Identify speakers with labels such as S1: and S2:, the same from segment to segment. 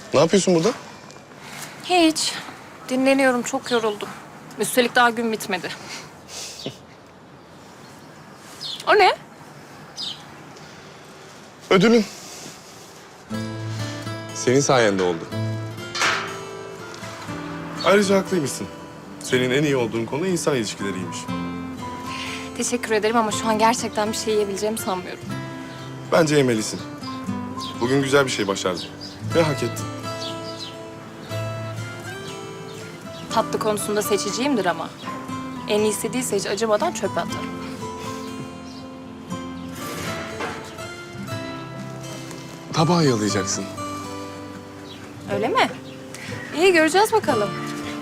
S1: Ne yapıyorsun burada?
S2: Hiç. Dinleniyorum, çok yoruldum. Üstelik daha gün bitmedi. O ne?
S1: Ödülün. Senin sayende oldu. Ayrıca haklıymışsın. Senin en iyi olduğun konu insan ilişkileriymiş.
S2: Teşekkür ederim ama şu an gerçekten bir şey yiyebileceğimi sanmıyorum.
S1: Bence yemelisin. Bugün güzel bir şey başardın. Ve hak ettin.
S2: Tatlı konusunda seçiciyimdir ama. En iyisi değilse hiç acımadan çöpe atarım.
S1: Tabağı yalayacaksın.
S2: Öyle mi? İyi, göreceğiz bakalım.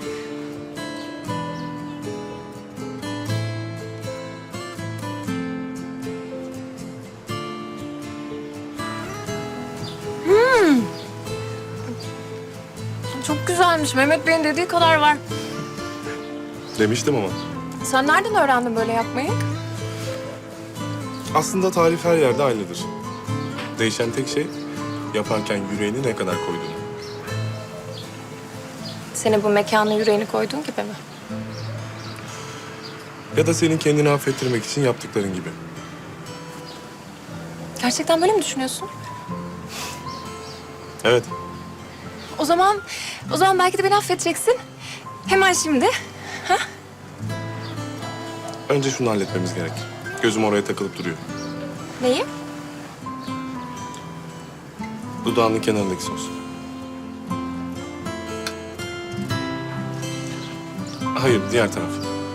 S2: Çok güzelmiş. Mehmet Bey'in dediği kadar var.
S1: Demiştim ama.
S2: Sen nereden öğrendin böyle yapmayı?
S1: Aslında tarif her yerde aynıdır. Değişen tek şey yaparken yüreğini ne kadar koyduğunu.
S2: Senin bu mekana yüreğini koyduğun gibi mi?
S1: Ya da senin kendini affettirmek için yaptıkların gibi.
S2: Gerçekten böyle mi düşünüyorsun?
S1: Evet.
S2: O zaman belki de beni affedeceksin. Hemen şimdi.
S1: Önce şunu halletmemiz gerek. Gözüm oraya takılıp duruyor.
S2: Neyi?
S1: Dudağının kenarındaki sos. Hayır, diğer taraf.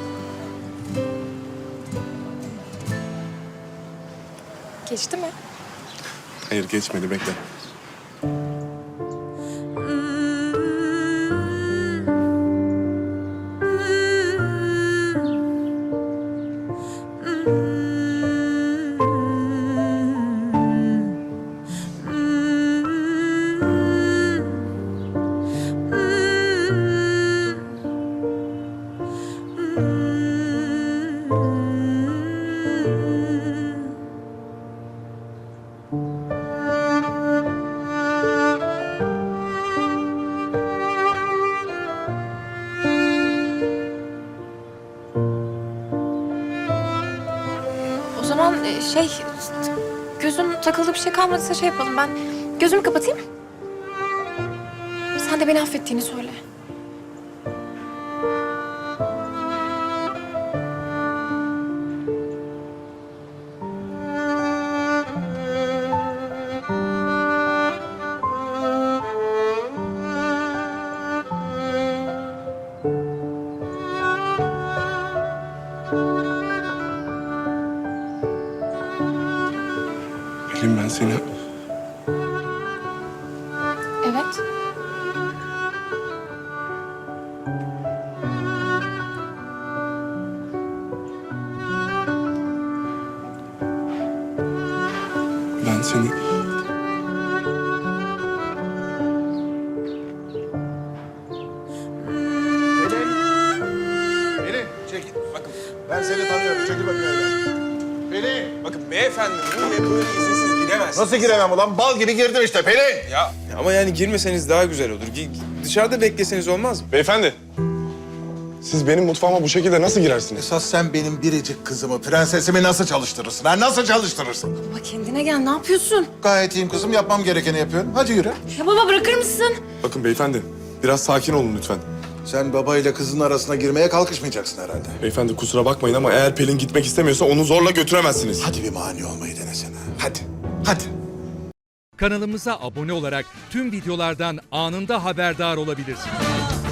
S2: Geçti mi?
S1: Hayır, geçmedi. Bekle.
S2: O zaman gözüm takıldı bir şey kalmadıysa şey yapalım. Ben gözümü kapatayım. Sen de beni affettiğini söyle.
S1: Pelin, ben seni...
S2: Evet.
S1: Ben seni...
S3: Pelin, çekil. Bakın, ben seni tanıyorum. Çekil bakayım evden. Pelin!
S4: Bakın beyefendi buraya böyle izinsiz giremezsiniz.
S3: Nasıl giremem ulan? Bal gibi girdim işte Pelin!
S4: Ya ama yani girmeseniz daha güzel olur. Dışarıda bekleseniz olmaz mı?
S1: Beyefendi, siz benim mutfağıma bu şekilde nasıl girersiniz?
S3: Esas sen benim biricik kızımı, prensesimi nasıl çalıştırırsın? Ha? Nasıl çalıştırırsın?
S2: Baba kendine gel, ne yapıyorsun?
S3: Gayet iyiyim kızım, yapmam gerekeni yapıyorum. Hadi yürü.
S2: Ya baba bırakır mısın?
S1: Bakın beyefendi, biraz sakin olun lütfen.
S3: Sen babayla kızın arasına girmeye kalkışmayacaksın herhalde.
S1: Beyefendi kusura bakmayın ama eğer Pelin gitmek istemiyorsa onu zorla götüremezsiniz.
S3: Hadi bir mani olmayı denesene. Hadi, hadi.
S5: Kanalımıza abone olarak tüm videolardan anında haberdar olabilirsiniz.